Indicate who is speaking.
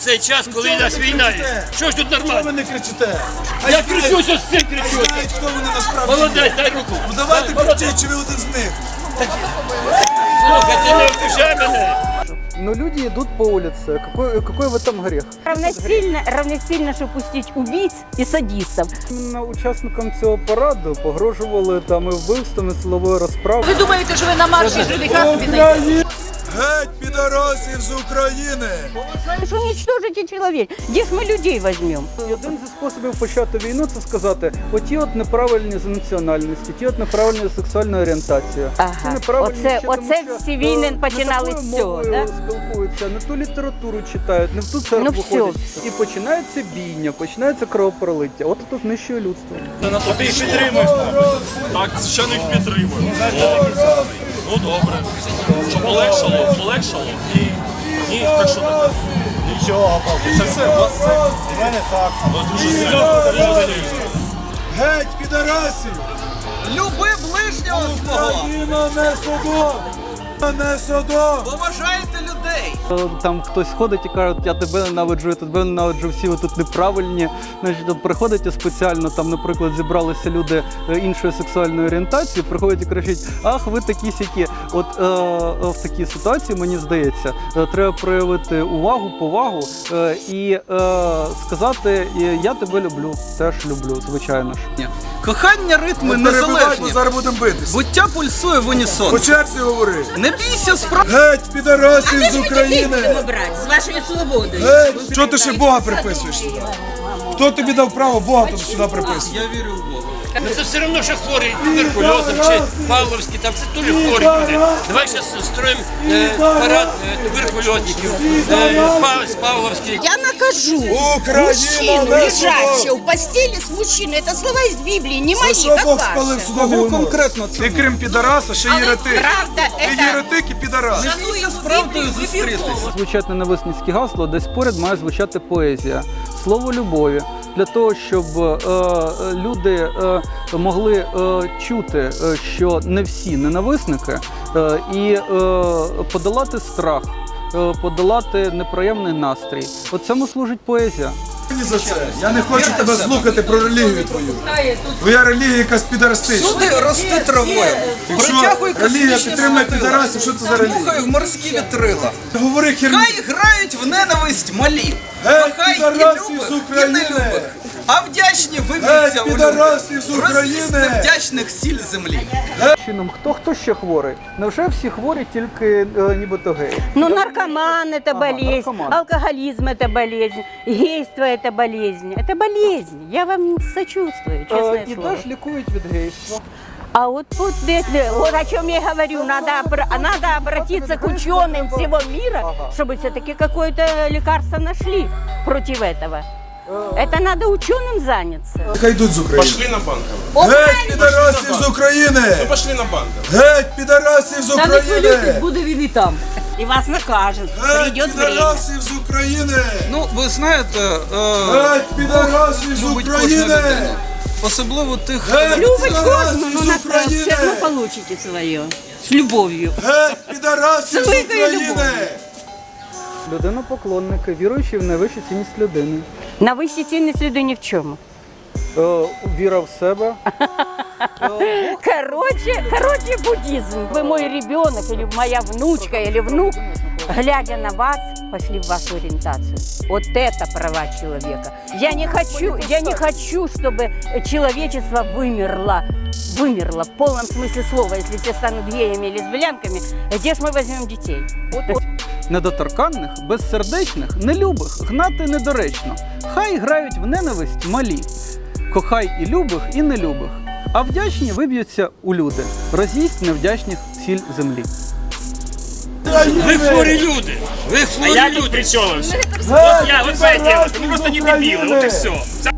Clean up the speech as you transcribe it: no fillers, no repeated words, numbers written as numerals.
Speaker 1: цей час, коли у нас війна є. Що ж тут
Speaker 2: Чого
Speaker 1: нормально?
Speaker 2: ви не кричите?
Speaker 1: Я кричу, що з цим кричу.
Speaker 2: Знають, хто вони насправді.
Speaker 1: Молодець, дай руку.
Speaker 2: Ну давайте кричіть, чи ви один з них.
Speaker 1: Слухай, ти не обіжай мене.
Speaker 3: Но люди идут по улице. Какой в этом грех?
Speaker 4: Равносильно, щоб пустити убійць і садистів.
Speaker 3: Іменно учасникам цього параду погрожували там і вбивством, і силовою розправою.
Speaker 5: Ви думаєте, що ви на марші жуліка собі знайдете?
Speaker 2: Геть підарасів з України!
Speaker 4: Що уничтожите чоловік? Де ж ми людей візьмемо?
Speaker 3: Один зі способів почати війну – це сказати, оті от неправильні з національності, ті от неправильні з сексуальної орієнтації.
Speaker 4: Ага.
Speaker 3: Ці неправильні
Speaker 4: Оце-
Speaker 3: ще тому,
Speaker 4: оце
Speaker 3: що,
Speaker 4: всі війни
Speaker 3: не
Speaker 4: починали
Speaker 3: такою
Speaker 4: з цього,
Speaker 3: мовою
Speaker 4: да?
Speaker 3: спілкуються, не ту літературу читають, не в ту церкву
Speaker 4: Ну, все.
Speaker 3: ходять. І починається бійня, починається кровопролиття. От тут знищує людство.
Speaker 6: Ти їх підтримуєш? Так, звичайно, їх підтримую. Ну добре. Що полегшало? Полегшало? Ні. Ні, так що так? Нічого. Це все, у вас все? У мене так. Дуже серйозно.
Speaker 2: Геть підарасів!
Speaker 7: Люби ближнього свого!
Speaker 2: Україна не Содом! Не Содом!
Speaker 7: Поважайте людей!
Speaker 3: Там хтось ходить і каже, я тебе ненавиджу, я тебе ненавиджу, всі ви тут неправильні. Значить, от приходять і спеціально, там, наприклад, зібралися люди іншої сексуальної орієнтації, приходять і кричать, ах, ви такі-сякі. От в такій ситуації, мені здається, треба проявити увагу, повагу і сказати, я тебе люблю, теж люблю, звичайно ж.
Speaker 7: Кохання ритми
Speaker 2: Не перебивай, бо
Speaker 7: незалежні.
Speaker 2: зараз будемо битись.
Speaker 7: Буття пульсує в унісон.
Speaker 2: По черзі говори.
Speaker 7: Не бійся справ...
Speaker 2: Геть підарасів з України!
Speaker 5: брати з вашою свободою.
Speaker 2: Геть! Чого ти ще Бога приписуєш сюди? Хто тобі дав право Бога тут сюди приписувати?
Speaker 7: Я вірю в Бога.
Speaker 1: Ну це все одно, що хворий туберкульозом чи Павловський, там це теж хворі люди. Давай зараз строїмо парад туберкульозників з Павловських.
Speaker 8: Я накажу
Speaker 2: Україна
Speaker 8: мужчину,
Speaker 2: не
Speaker 8: лежащего
Speaker 2: Содом!
Speaker 8: в постели с мужчиной. Это слова из Библии, не мои,
Speaker 2: Що
Speaker 8: как
Speaker 2: Бог спалив
Speaker 8: ваши.
Speaker 2: судову
Speaker 7: Кого
Speaker 2: мову?
Speaker 7: конкретно це?
Speaker 2: Ти крім підараса, ще єретик.
Speaker 8: Правда,
Speaker 2: Ти
Speaker 8: это...
Speaker 2: єретик і підарас.
Speaker 7: Не бійся з правдою зустрітись.
Speaker 3: Звучать ненависницькі гасла, десь поряд має звучати поезія, слово любові. Для того, щоб люди могли чути, що не всі ненависники, і подолати страх, подолати неприємний настрій. От цьому служить поезія.
Speaker 2: Ні за це. Я не хочу тебе слухати про релігію твою. Твоя релігія якась підарастична.
Speaker 7: Суди рости травою.
Speaker 2: Якщо
Speaker 7: Притягуй
Speaker 2: релігія
Speaker 7: космічні
Speaker 2: підтримує
Speaker 7: світила.
Speaker 2: підарасів, що це за релігія?
Speaker 7: Дмухай в морські вітрила.
Speaker 2: Говори херню.
Speaker 7: Хай грають в ненависть малі.
Speaker 2: Геть
Speaker 7: Кохай і
Speaker 2: підарасів з
Speaker 7: любих, і
Speaker 2: України!
Speaker 7: нелюбих. А вдячні виб'ються
Speaker 2: Геть
Speaker 7: у
Speaker 2: підарасів з
Speaker 7: люди. Розлізь
Speaker 2: України!
Speaker 7: невдячних сіль землі.
Speaker 3: Чином, хто ще хворий? Невже всі хворі тільки нібито геї?
Speaker 4: Ну, наркоман – это болезнь,
Speaker 3: наркоман.
Speaker 4: алкоголизм – это болезнь, гейство – это болезнь. Это болезнь. Я вам сочувствую, честное
Speaker 3: І
Speaker 4: слово.
Speaker 3: теж лікують від гейства.
Speaker 4: А вот тут, вот о чем я говорю, надо обратиться к ученым всего мира, чтобы все-таки какое-то лекарство нашли против этого. Это надо ученым заняться.
Speaker 2: Хай йдуть з України.
Speaker 6: Пошли на банк.
Speaker 2: Геть підарасів з України!
Speaker 6: Пошли на банк.
Speaker 2: Геть підарасів з України!
Speaker 5: буде він і там.
Speaker 4: И вас накажут.
Speaker 2: Геть
Speaker 4: Придет время.
Speaker 2: підарасів з України!
Speaker 7: Ну, ви знаєте,
Speaker 2: Геть підарасів з
Speaker 7: любить кожну
Speaker 2: України!
Speaker 7: людину. Особливо тих,
Speaker 2: Геть
Speaker 4: Любить
Speaker 2: підарасів
Speaker 4: кожну,
Speaker 2: з
Speaker 4: но все равно
Speaker 2: України!
Speaker 4: получите свое. С любовью.
Speaker 2: Геть підарасів з
Speaker 4: Великою
Speaker 2: України!
Speaker 4: любов'ю.
Speaker 3: Людина-поклонники, віруючі в найвищу цінність людини.
Speaker 4: На высшей ценности следу ни в чем.
Speaker 3: Віра в себе.
Speaker 4: Короче, буддизм. Вы мой ребенок, или моя внучка, или внук, глядя на вас, пошли в вашу ориентацию. Вот это права человека. Я не хочу, чтобы человечество вымерло в полном смысле слова. Если все станут геями или лесбиянками, где ж мы возьмем детей?
Speaker 3: Недоторканних, безсердечних, нелюбих гнати недоречно. Хай грають в ненависть малі. Кохай і любих, і нелюбих. А вдячні виб'ються у люди. Роз'їсть невдячних сіль землі.
Speaker 1: Ви хворі люди. Ви хворі люди.
Speaker 6: при чому?
Speaker 2: Геть
Speaker 1: Вот поэтому,
Speaker 2: підарасів
Speaker 1: вы просто
Speaker 2: з
Speaker 1: не дебилы, вот и
Speaker 2: України!
Speaker 1: все.